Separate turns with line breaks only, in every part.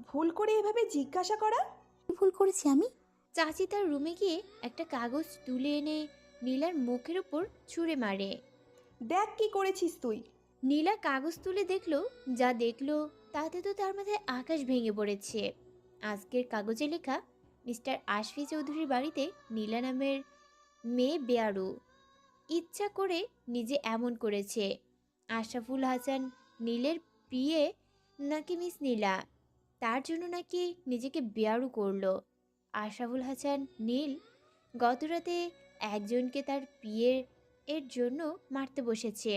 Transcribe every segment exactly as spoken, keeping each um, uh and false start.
ভুল করে এভাবে জিজ্ঞাসা করা?
কি ভুল করেছি আমি?
চাচি তার রুমে গিয়ে একটা কাগজ তুলে এনে নীলার মুখের উপর ছুঁড়ে মারে।
দেখ কি করেছিস তুই।
নীলা কাগজ তুলে দেখলো, যা দেখলো তাতে তো তার মাথায় আকাশ ভেঙে পড়েছে। আজকের কাগজে লেখা, মিস্টার আশফি চৌধুরীর বাড়িতে নীলা নামের মেয়ে বেয়ারু ইচ্ছা করে নিজে এমন করেছে। আশরাফুল হাসান নীলের প্রিয়ে নাকি মিস নীলা, তার জন্য নাকি নিজেকে বেয়ারু করলো। আশরাফুল হাসান নীল গতরাতে একজনকে তার বিয়ের এর জন্য মারতে বসেছে।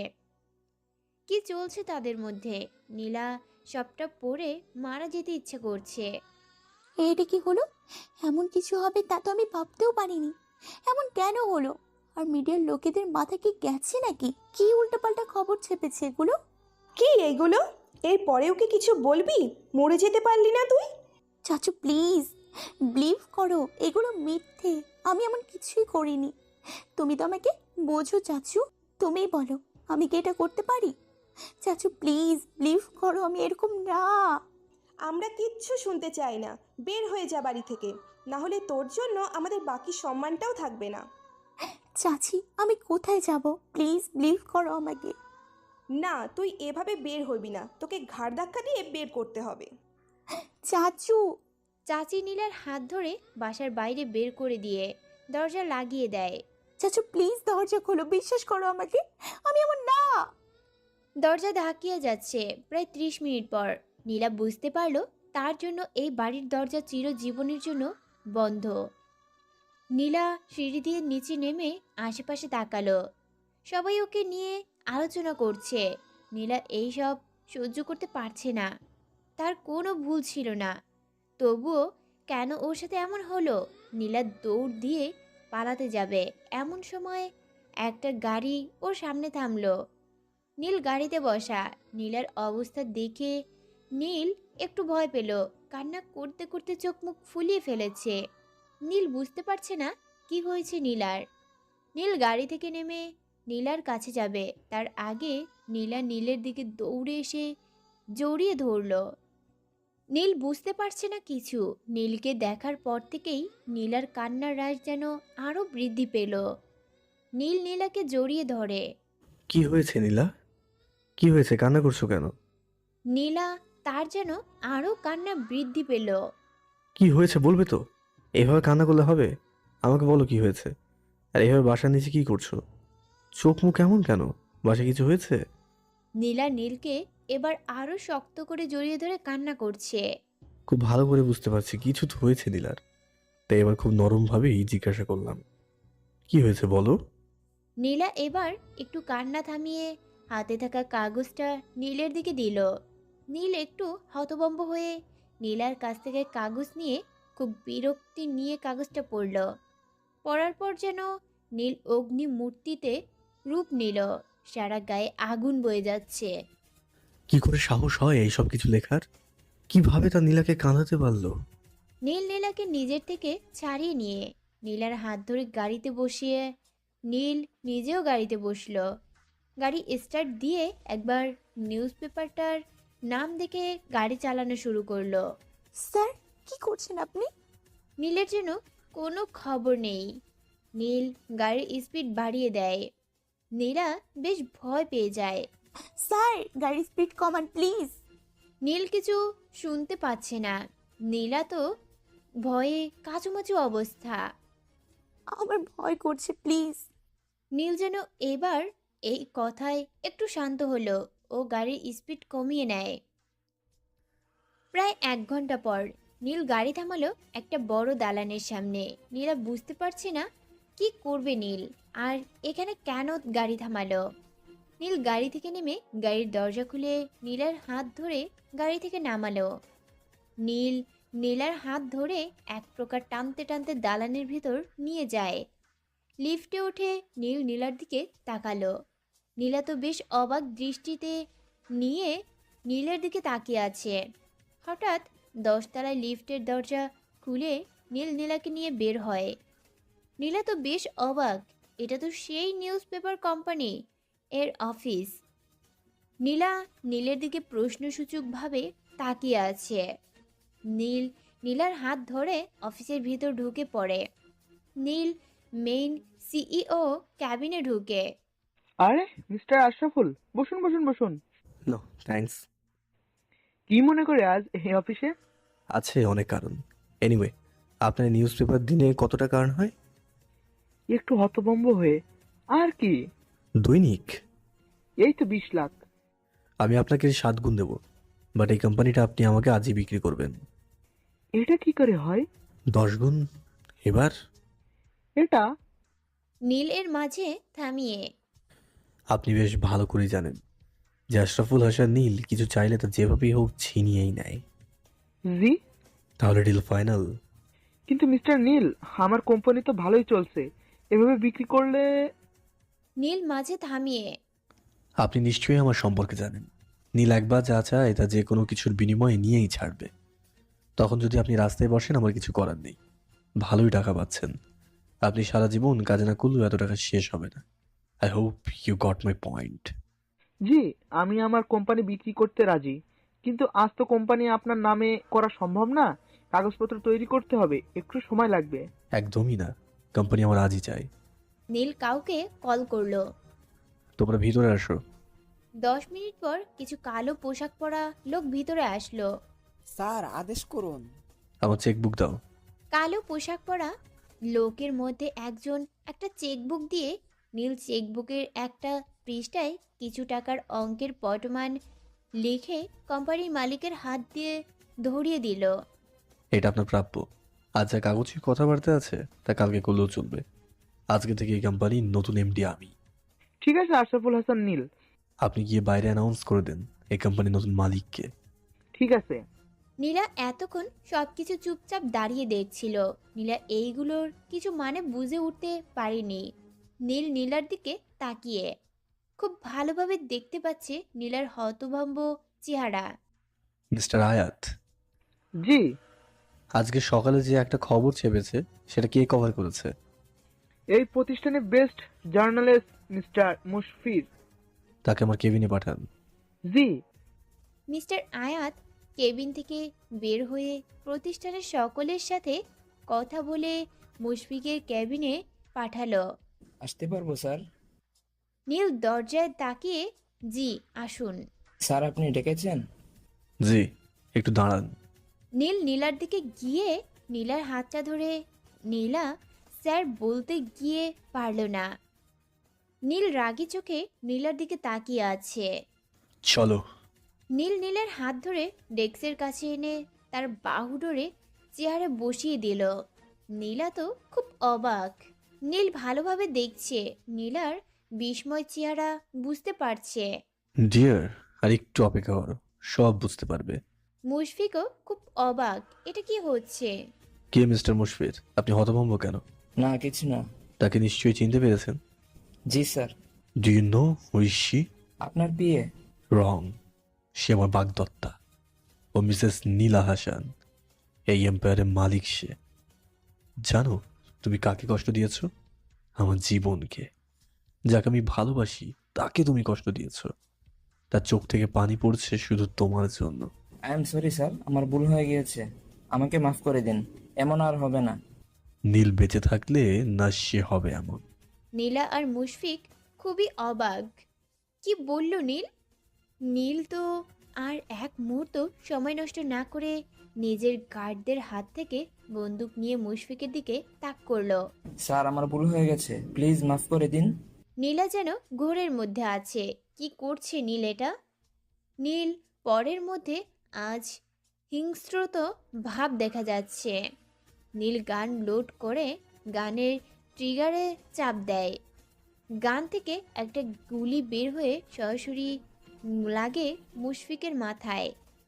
কি চলছে তাদের মধ্যে? নীলা সবটা পড়ে মারা যেতে ইচ্ছে করছে।
এটা কি হলো? এমন কিছু হবে তা তো আমি ভাবতেও পারিনি। এমন কেন হলো? আর মিডিয়ার লোকেদের মাথা কি গেছে নাকি? কি উল্টাপাল্টা খবর ছেপেছে এগুলো?
কি এইগুলো? এর পরেও কি কিছু বলবি? মরে যেতে পারলি না তুই?
চাচু প্লিজ বিলিভ করো, এগুলো মিথ্যে। আমি এমন কিছুই করিনি। তুমি তো আমাকে বোঝো চাচু, তুমিই বলো আমি কি এটা করতে পারি? চাচু প্লিজ বিলিভ করো, আমি এরকম না।
আমরা কিচ্ছু শুনতে চাই না। বের হয়ে যা বাড়ি থেকে, না হলে তোর জন্য আমাদের বাকি সম্মানটাও থাকবে না।
চাচি আমি কোথায় যাব? প্লিজ বিলিভ করো আমাকে।
না, তুই এভাবে বের হবি না, তোকে ঘাড় ধাক্কা দিয়ে বের করতে হবে।
চাচু
চাচি নীলার হাত ধরে বাসার বাইরে বের করে দিয়ে দরজা লাগিয়ে দেয়।
চাচু প্লিজ দরজা খোলো, বিশ্বাস করো আমাকে, আমি এমন না।
দরজা ধাকিয়ে যাচ্ছে। প্রায় ত্রিশ মিনিট পর নীলা বুঝতে পারলো তার জন্য এই বাড়ির দরজা চিরজীবনের জন্য বন্ধ। নীলা সিঁড়ি দিয়ে নিচে নেমে আশেপাশে তাকালো। সবাই ওকে নিয়ে আলোচনা করছে। নীলা এই সব সহ্য করতে পারছে না। তার কোনো ভুল ছিল না, তবুও কেন ওর সাথে এমন হলো? নীলা দৌড় দিয়ে পালাতে যাবে, এমন সময় একটা গাড়ি ওর সামনে থামলো। নীল গাড়িতে বসা। নীলার অবস্থা দেখে নীল একটু ভয় পেল। কান্না করতে করতে চোখ মুখ ফুলিয়ে ফেলেছে। নীল বুঝতে পারছে না কি হয়েছে নীলার। নীল গাড়ি থেকে নেমে নীলার কাছে যাবে, তার আগে নীলা নীলের দিকে দৌড়ে এসে জড়িয়ে ধরল। নীল বুঝতে পারছে না কিছু। নীলকে দেখার পর থেকেই নীলার কান্নার রাশ যেন আরও বৃদ্ধি পেল। নীল নীলাকে জড়িয়ে ধরে।
কি হয়েছে নীলা? কি হয়েছে, কান্না করছো কেন?
নীলা তার যেন আরও কান্না বৃদ্ধি পেল।
কি হয়েছে বলবে তো? এভাবে কান্না করলে হবে? আমাকে বলো কি হয়েছে। আর এভাবে বাসার নিচে কি করছো? চোখ মুখ এমন কেন? বাসায় কিছু হয়েছে?
নীলা নীলকে এবার আরও শক্ত করে জড়িয়ে ধরে কান্না করছে।
খুব ভালো করে বুঝতে পারছি কিছু তো হয়েছে নীলার, তাই এবার খুব নরমভাবেই জিজ্ঞাসা করলাম, কি হয়েছে বলো।
নীলা এবার একটু কান্না থামিয়ে হাতে থাকা কাগজটা নীলের দিকে দিল। নীল একটু হতভম্ব হয়ে নীলার কাছ থেকে কাগজ নিয়ে খুব বিরক্তি নিয়ে কাগজটা পড়ল। পড়ার পর যেন নীল অগ্নি মূর্তিতে রূপ নিল। সারা গায়ে আগুন বয়ে যাচ্ছে।
কি করে সাহস হয় এইসব কিছু লেখার? কিভাবে তা নীলাকে কাঁদাতে পারলো?
নীল নীলাকে নিজের থেকে ছাড়িয়ে নিয়ে নীলার হাত ধরে গাড়িতে বসিয়ে নীল নিজেও গাড়িতে বসলো। গাড়ি স্টার্ট দিয়ে একবার নিউজ পেপারটার নাম দেখে গাড়ি চালানো শুরু করলো।
স্যার কি করছেন আপনি?
নীলের যেন কোনো খবর নেই। নীল গাড়ির স্পিড বাড়িয়ে দেয়। নীলা বেশ ভয় পেয়ে যায়।
স্যার গাড়ির স্পিড কমান প্লিজ।
নীল কিছু শুনতে পাচ্ছে না। নীলা তো ভয়ে কাচুমাচু অবস্থা।
আমার ভয় করছে প্লিজ।
নীল যেন এবার এই কথায় একটু শান্ত হলো ও গাড়ির স্পিড কমিয়ে নেয়। প্রায় এক ঘন্টা পর নীল গাড়ি থামালো একটা বড় দালানের সামনে। নীলা বুঝতে পারছে না কি করবে নীল, আর এখানে কেন গাড়ি থামালো। নীল গাড়ি থেকে নেমে গাড়ির দরজা খুলে নীলার হাত ধরে গাড়ি থেকে নামালো। নীল নীলার হাত ধরে এক প্রকার টানতে টানতে দালানের ভিতর নিয়ে যায়। লিফটে উঠে নীল নীলার দিকে তাকালো। নীলা তো বেশ অবাক দৃষ্টিতে নিয়ে নীলের দিকে তাকিয়ে আছে। হঠাৎ দশতলায় লিফটের দরজা খুলে নীল নীলাকে নিয়ে বের হয়। নীলা তো বেশ অবাক, এটা তো সেই নিউজ পেপার কোম্পানি এর অফিস। নীলা নীলের দিকে প্রশ্নসূচকভাবে তাকিয়ে আছে। নীল নীলার হাত ধরে অফিসের ভিতর ঢুকে পড়ে। নীল মেইন সিইও ক্যাবিনে ঢুকে।
আরে মিস্টার আশরাফুল, বসুন বসুন বসুন।
No thanks.
কি মনে করে আজ এই অফিসে?
আছে অনেক কারণ। এনিওয়ে, আপনার নিউজ পেপার দিনে কতটা কারণ হয়?
একটু হতভম্ব হয়ে, আর কি?
দৈনিক?
এই তো বিশ লাখ।
আমি আপনাকে সাত গুণ দেবো, বাট এই কোম্পানিটা আপনি আমাকে আজই বিক্রি করবেন।
এটা কি করে হয়?
দশ গুণ এবার?
এটা
নীল এর মাঝে থামিয়ে।
আপনি বেশ ভালো করে জানেন যে আশরাফুল হাসান নীল কিছু চাইলে তা যেভাবেই হোক ছিনিয়েই নেয়।
জি,
তাহলে ডিল ফাইনাল?
কিন্তু মিস্টার নীল, আমার কোম্পানি তো ভালোই চলছে, এভাবে বিক্রি করলে।
নীল মাঝে থামিয়ে।
আপনি নিশ্চয়ই আমার সম্পর্কে জানেন। নীল একবার যা চায় তা যে কোনো কিছুর বিনিময়ে নিয়েই ছাড়বে। তখন যদি আপনি রাস্তায় বসেন, আমার কিছু করার নেই। ভালোই টাকা পাচ্ছেন। আপনি সারা জীবন কাজে না করলেও এত টাকা শেষ হবে না। I hope you got my point.
জি, আমি আমার কোম্পানি বিক্রি করতে রাজি, কিন্তু আজ তো কোম্পানি আপনার নামে করা সম্ভব না। কাগজপত্র তৈরি করতে হবে, একটু সময় লাগবে।
একদমই না, কোম্পানি আমার আজই চাই।
নীল কাউকে কল করলো।
তোমরা ভিতরে আসো।
দশ মিনিট পর কিছু কালো পোশাক পরা লোক ভিতরে আসলো।
স্যার, আদেশ করুন।
আমার চেকবুক দাও।
কালো পোশাক পরা লোকের মধ্যে একজন একটা চেকবুক দিয়ে নীল চেকবুকের একটা পৃষ্ঠায় কিছু টাকার অঙ্কের পটমান লিখে কোম্পানির মালিকের হাত দিয়ে ধরিয়ে দিল।
এটা আপনার প্রাপ্য। আজ যা কাগজে কথাবার্তা আছে তা কালকে করলেও চলবে। আজকে থেকে এই কোম্পানির নতুন এমডি আমি।
ঠিক আছে আশরাফুল হাসান নীল।
আপনি গিয়ে বাইরে অ্যানাউন্স করে দেন এই কোম্পানির নতুন মালিককে।
ঠিক আছে।
নীলা এতক্ষণ সবকিছু চুপচাপ দাঁড়িয়ে দেখছিল। নীলা এইগুলোর কিছু মানে বুঝে উঠতে পারেনি। নীল নীলার দিকে তাকিয়ে খুব ভালোভাবে দেখতে পাচ্ছে নীলার হতভম্ব চেহারা।
মিস্টার আয়াত,
জি,
আজকে সকালে যে একটা খবর চেপেছে সেটা কে কভার করেছে?
এই প্রতিষ্ঠানে বেস্ট জার্নালিস্ট মিস্টার মুশফির।
তাকে আমার কেবিনে পাঠান।
জি।
মিস্টার আয়াত কেবিন থেকে বের হয়ে প্রতিষ্ঠানের সকলের সাথে কথা বলে মুশফিকের ক্যাবিনে পাঠালো।
আসতে পারবো স্যার?
নীল দরজায় তাকিয়ে, জি আসুন।
স্যার, আপনি ডেকেছেন?
জি, একটু দাঁড়ান।
নীল নীলার দিকে গিয়ে নীলার হাতটা ধরে নীলা স্যার বলতে গিয়ে পারল না। নীল রাগী চোখে নীলার দিকে তাকিয়ে আছে।
চলো।
নীল নীলের হাত ধরে ডেস্কের কাছে এনে তার বাহু ধরে চেয়ারে বসিয়ে দিল। নীলা তো খুব অবাক। নীল ভালোভাবে দেখছে, নীলার বিস্ময় চেহারা বুঝতে পারছে।
ডিয়ার, আর একটু অপেক্ষা করো, সব বুঝতে পারবে।
মুশফিকও খুব অবাক, এটা কি হচ্ছে?
কে মিস্টার মুশফির? আপনি হতভম্ব কেন?
না, কিছু না।
তাকে নিশ্চয়ই চিনতে পেরেছেন।
জি sir.
Do you know who is she?
আপনার বিয়ে?
রং। সে আমার বাগদত্তা। ও মিসেস নীলা হাসান, এই এম্পায়ারের মালিক সে। জানো তুমি কাকে কষ্ট দিয়েছো? আমার জীবনকে। যাকে আমি ভালোবাসি তাকে তুমি কষ্ট দিয়েছো। তার চোখ থেকে পানি পড়ছে শুধু তোমার জন্য।
আই এম সরি স্যার, আমার ভুল হয়ে গিয়েছে। আমাকে মাফ করে দিন, এমন আর হবে না।
নীল বেঁচে থাকলে না সে হবে এমন।
নীলা আর মুশফিক খুবই অবাক। কি বলল নীল? নীল তো আর এক মুহূর্ত সময় নষ্ট না করে নিজের গার্ডদের হাত থেকে বন্দুক নিয়ে মুশফিকের দিকে তাক করলো।
স্যার, আমার ভুল হয়ে গেছে, প্লিজ মাফ করে দিন।
নীলা যেন ঘোরের মধ্যে আছে। কি করছে নীল এটা? নীল পরের মধ্যে আজ হিংস্রত ভাব দেখা যাচ্ছে। নীল গান লোড করে গানের ট্রিগারে চাপ দেয়। গান থেকে একটা গুলি বের হয়ে সরাসরি লাগে মুশফিকের মাথায়।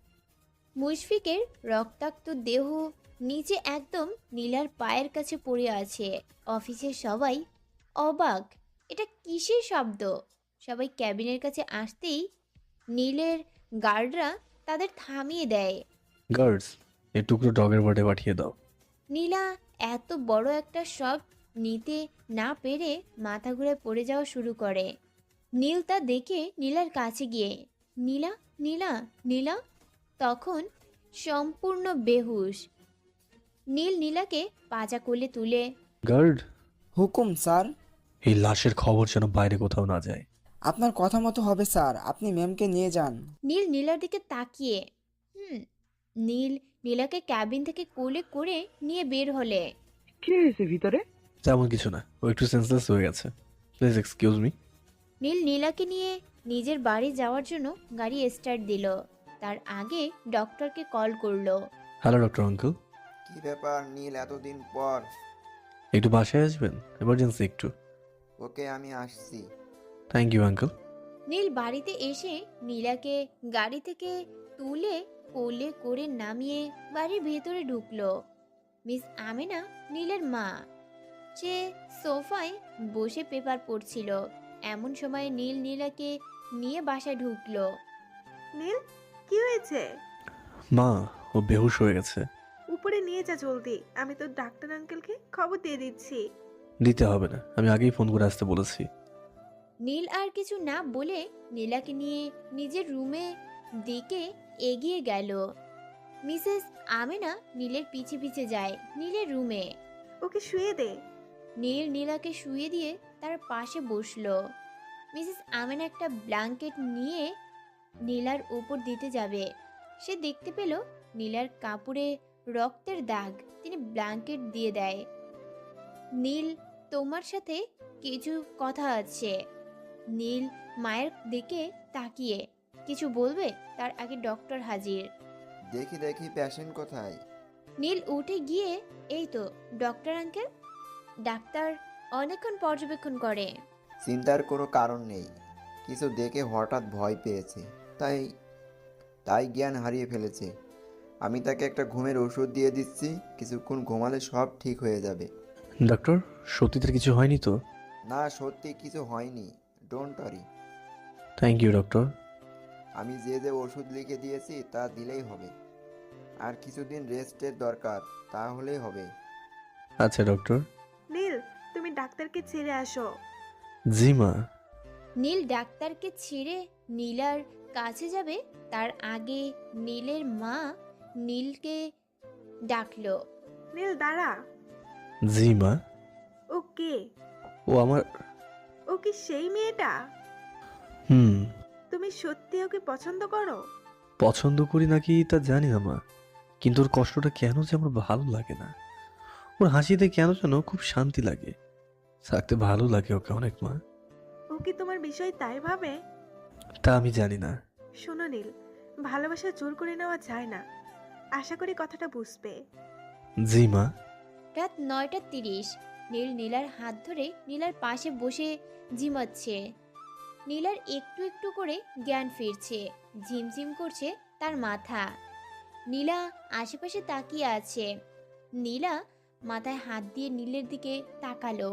মুশফিকের রক্তাক্ত দেহ নিচে একদম নীলার পায়ের কাছে পড়ে আছে। অফিসের সবাই অবাক, এটা কিসের শব্দ? সবাই ক্যাবিনের কাছে আসতেই নীলের গার্ডরা তাদের থামিয়ে দেয়।
গার্ডস, এই টুকরো ডগের বাটে পাঠিয়ে দাও।
নীলা এত বড় একটা শট নিতে না পেরে মাথা ঘুরে পড়ে যাওয়া শুরু করে। নীল তা দেখে নীলার কাছে গিয়ে, নীলা নীলা নীলা। তখন সম্পূর্ণ বেহুশ। নীল নীলাকে পাজা কোলে তুলে
গার্ড,
হুকুম স্যার।
এই লাশের খবর যেন বাইরে কোথাও না যায়।
আপনার কথা মতো হবে স্যার, আপনি ম্যামকে নিয়ে যান।
নীল নীলার দিকে তাকিয়ে হুম নীল নীলাকে ক্যাবিন থেকে কোলে করে নিয়ে বের হলে।
কি হয়েছে ভিতরে?
তেমন কিছু না, ও একটু সেন্সলেস হয়ে গেছে। Please excuse me.
নীল নীলাকে নিয়ে নিজের বাড়ি যাওয়ার জন্য গাড়ি স্টার্ট দিল। তার আগে ডক্টরকে কল করলো।
হ্যালো ডক্টর আঙ্কেল,
কি ব্যাপার নীল, এতদিন পর?
একটু বাসায় আসবেন, এমার্জেন্সি একটু।
ওকে, আমি আসছি।
Thank you uncle.
নীল বাড়িতে এসে নীলাকে গাড়ি থেকে তুলে কোলে করে নামিয়ে বাড়ির ভেতরে ঢুকলো। মিস আমেনা নীলের মা, সে সোফায় বসে পেপার পড়ছিল। এমন সময় নীল নীলাকে নিয়ে বাসায় ঢুকলো।
নীল, কি হয়েছে?
মা, ও বেহুশ হয়ে গেছে।
উপরে নিয়ে যা জলদি, আমি তো ডাক্তার আঙ্কেলকে খবর দিয়ে দিচ্ছি।
দিতে হবে না, আমি আগেই ফোন করে আসতে বলেছি।
নীল আর কিছু না বলে নীলাকে নিয়ে নিজের রুমে দিকে এগিয়ে গেল। মিসেস আমেনা নীলের পিছে পিছে যায় নীলের রুমে।
ওকে শুয়ে দে।
নীল নীলাকে শুয়ে দিয়ে তার পাশে বসলো। মিসেস আমেনা একটা ব্ল্যাঙ্কেট নিয়ে নীলার উপর দিতে যাবে। সে দেখতে পেল নীলার কাপড়ে রক্তের দাগ। তিনি ব্ল্যাঙ্কেট দিয়ে দেয়। নীল, তোমার সাথে কিছু কথা আছে। নীল মায়ের দিকে তাকিয়ে কিছু বলবে, তার আগে ডক্টর হাজির।
দেখি দেখি পেশেন্ট কোথায়?
নীল উঠে গিয়ে, এই তো ডক্টর আঙ্কেল। ডাক্তার অনেকক্ষণ পর্যবেক্ষণ করে।
চিন্তার কোনো কারণ নেই, কিছু দেখে হঠাৎ ভয় পেয়েছে, তাই তাই জ্ঞান হারিয়ে ফেলেছে। আমি তাকে একটা ঘুমের ওষুধ দিয়ে দিচ্ছি, কিছুক্ষণ ঘুমালে সব ঠিক হয়ে যাবে।
ডক্টর, সত্যিতে কিছু হয়নি তো?
না, সত্যি কিছু হয়নি, don't worry.
Thank you doctor.
আমি যে যে ওষুধ লিখে দিয়েছি তা দিলেই হবে, আর কিছুদিন রেস্টের দরকার, তাহলেই হবে।
আচ্ছা ডক্টর।
নীল, তুমি ডাক্তারকে ছেড়ে আসো।
জি মা।
নীল ডাক্তারকে ছেড়ে নীলার কাছে যাবে, তার আগে নীলের মা নীলকে ডাকলো।
নীল দাঁড়া।
জি মা।
ও কে?
ও আমার।
ও কি সেই মেয়েটা?
হুম।
তুমি সত্যি ওকে পছন্দ করো?
পছন্দ করি নাকি তা জানি না মা, কিন্তু ওর কষ্টটা কেন যে আমার ভালো লাগে না। ওর হাসিতে কেন যেন খুব শান্তি লাগে, থাকতে ভালো লাগে ওকে অনেক মা।
ও কি তোমার বিষয় তাই ভাবে?
তা আমি জানি না।
শোনো নীল, ভালোবাসা জোর করে নেওয়া যায় না। আশা করি কথাটা বুঝবে।
জি মা।
রাত নয়টা তিরিশ। নীল নীলার হাত ধরে নীলার পাশে বসে ঝিমাচ্ছে। নীলার একটু একটু করে জ্ঞান ফিরছে, ঝিমঝিম করছে তার মাথা। নীলা আশেপাশে তাকিয়ে আছে। নীলা মাথায় হাত দিয়ে নীলের দিকে তাকালো।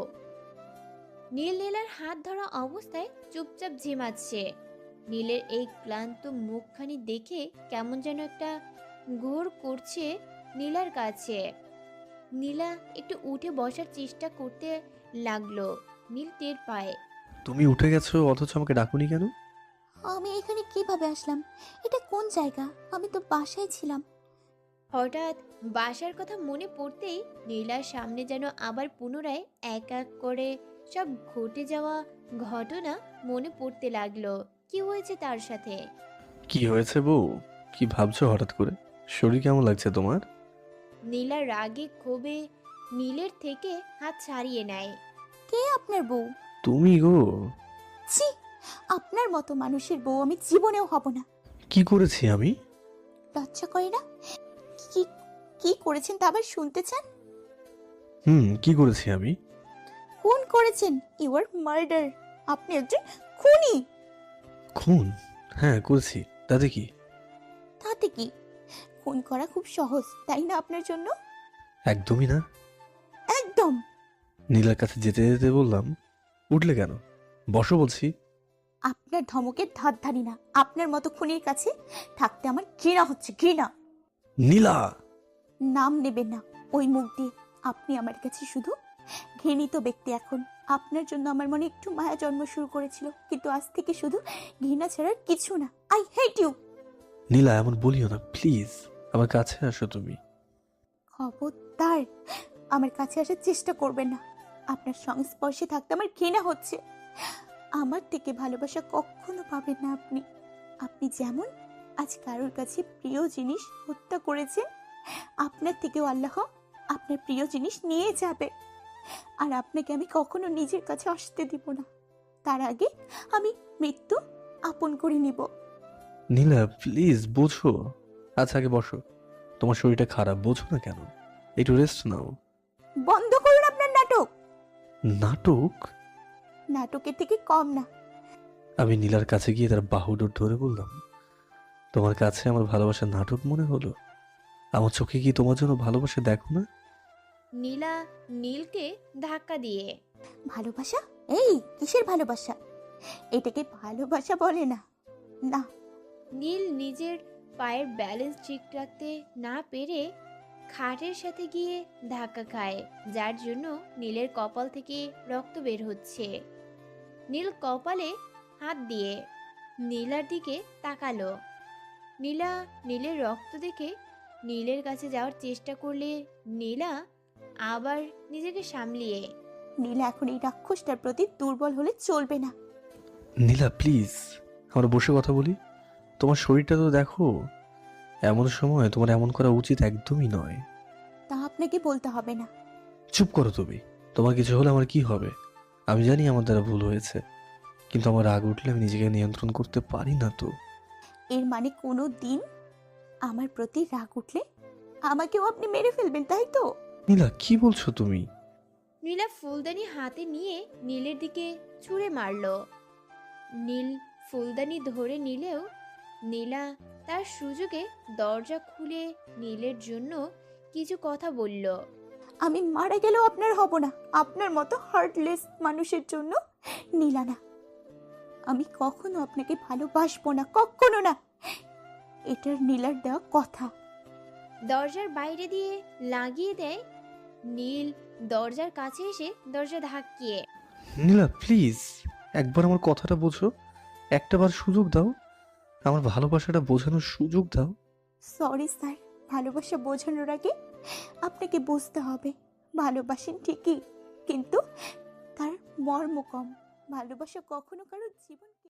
নীল নীলার হাত ধরা অবস্থায় চুপচাপ ঝিমাচ্ছে। নীলের এই ক্লান্ত মুখখানি দেখে কেমন যেন একটা ঘোর করছে নীলার কাছে। নীলা একটু উঠে বসার চেষ্টা করতে লাগলো। নীল টের পায়।
তুমি উঠে গেছো অথচ আমাকে ডাকুনি কেন?
আমি এখানে কিভাবে আসলাম? এটা কোন জায়গা? আমি তো বাসায় ছিলাম।
হঠাৎ বাসার কথা মনে পড়তেই নীলার সামনে যেন আবার পুনরায় এক এক করে সব ঘটে যাওয়া ঘটনা মনে পড়তে লাগলো। কি হয়েছে তার সাথে?
কি হয়েছে বউ? কি ভাবছো হঠাৎ করে? শরীর কেমন লাগছে তোমার?
নীলা রাগে ক্ষোভে নীলের থেকে হাত ছাড়িয়ে নেয়।
কে আপনার বউ?
তুমি গো।
ছি, আপনার মতো মানুষের বউ আমি জীবনেও হব না।
কি করেছি আমি?
লজ্জা করে না? কি কি করেছেন তা আবার শুনতে চান?
হুম, কি করেছি আমি?
খুন করেছেন। You are murder. আপনি একজন খুনি।
খুন? হ্যাঁ করেছি, তাতে কি?
তাতে কি? খুন করা খুব সহজ, তাই না আপনার জন্য?
একদমই না।
একদম।
নীলার কাছে যেতে যেতে বললাম, উঠলে কেন? বসো বলছি।
আপনার ধমকের ধার ধারি না। আপনার মতো খুনির কাছে থাকতে আমার ঘৃণা হচ্ছে, ঘৃণা।
নীলা!
নাম নেবেন না ওই মুখ দিয়ে। আপনি আমার কাছে শুধু ঘৃণিত ব্যক্তি। এখন আপনার জন্য আমার মনে একটু মায়া জন্ম শুরু করেছিল, কিন্তু আজ থেকে শুধু ঘৃণা ছাড়ার কিছু না। I hate you.
নীলা, এমন বলিও না প্লিজ। আমার কাছে আসো তুমি।
খবরদার আমার কাছে আসার চেষ্টা করবেন না। আপনার সংস্পর্শে থাকতে আমার ঘৃণা হচ্ছে। আমার থেকে ভালোবাসা কখনো পাবেন না আপনি। আপনি যেমন আজ কারোর কাছে প্রিয় জিনিস হত্যা করেছেন, আপনার থেকেও আল্লাহ আপনার প্রিয় জিনিস নিয়ে যাবে। আর আপনাকে আমি কখনো নিজের কাছে আসতে দিব না। তার আগে আমি মৃত্যু আপন করে নিব।
নীলা প্লিজ বোঝো। আচ্ছা আগে বসো। তোমার শরীরটা খারাপ, বোঝো না কেন? একটু রেস্ট নাও।
বন্ধ করুন আপনার নাটক।
নাটক?
নাটকের থেকে কম না।
আমি নীলার কাছে গিয়ে তার বাহুডোর ধরে বললাম, তোমার কাছে আমার ভালোবাসা নাটক মনে হলো? আমার চোখে কি তোমার জন্য ভালোবাসা দেখো না?
নীলা নীলকে ধাক্কা দিয়ে।
ভালোবাসা? এই কিসের ভালোবাসা? এটাকে ভালোবাসা বলে না। না,
নীল নিজের পায়ের ব্যালেন্স ঠিক রাখতে না পেরে খাটের সাথে গিয়ে ধাক্কা খায়, যার জন্য নীলের কপাল থেকে রক্ত বের হচ্ছে। নীল কপালে হাত দিয়ে নীলার দিকে তাকালো। নীলা নীলের রক্ত দেখে নীলের কাছে যাওয়ার চেষ্টা করলে নীলা আবার নিজেকে সামলিয়ে।
নীলা এখন এই রাক্ষসটার প্রতি দুর্বল হলে চলবে না।
নীলা প্লিজ, আমরা বসে কথা বলি। তোমার শরীরটা তো দেখো। এমন সময় তোমার এমন করা উচিত একদমই নয়।
তা আপনাকে বলতে হবে না।
চুপ করো তুমি। তোমার কিছু হলে আমার কি হবে? আমি জানি আমার দ্বারা ভুল হয়েছে, কিন্তু আমার রাগ উঠলে আমি নিজেকে নিয়ন্ত্রণ করতে পারি না তো।
এর মানে কোনো দিন আমার প্রতি রাগ উঠলে আমাকেও আপনি মেরে ফেলবেন, তাই তো?
নীলা কি বলছো তুমি?
নীলা ফুলদানি হাতে নিয়ে নীলের দিকে ছুঁড়ে মারল। নীল ফুলদানি ধরে নিলেও নীলা তার সুযোগে দরজা খুলে নীলের জন্য কিছু কথা বলল।
আমি মারা গেলেও আপনার হব না। আপনার মতো হার্টলেস মানুষের জন্য নীলা না। আমি কখনো আপনাকে ভালোবাসবো না, কখনো না। এটার নীলার দেওয়া কথা।
দরজার বাইরে দিয়ে লাগিয়ে দেয়। নীল দরজার কাছে এসে দরজা ধাক্কিয়ে।
নীলা প্লিজ, একবার আমার কথাটা বোঝো। একটাবার সুযোগ দাও, আমার ভালোবাসাটা বোঝানোর সুযোগ দাও।
সরি স্যার, ভালোবাসা বোঝানোর আগে আপনাকে বুঝতে হবে। ভালোবাসেন ঠিকই, কিন্তু তার মর্ম কম। ভালোবাসা কখনো কারো জীবন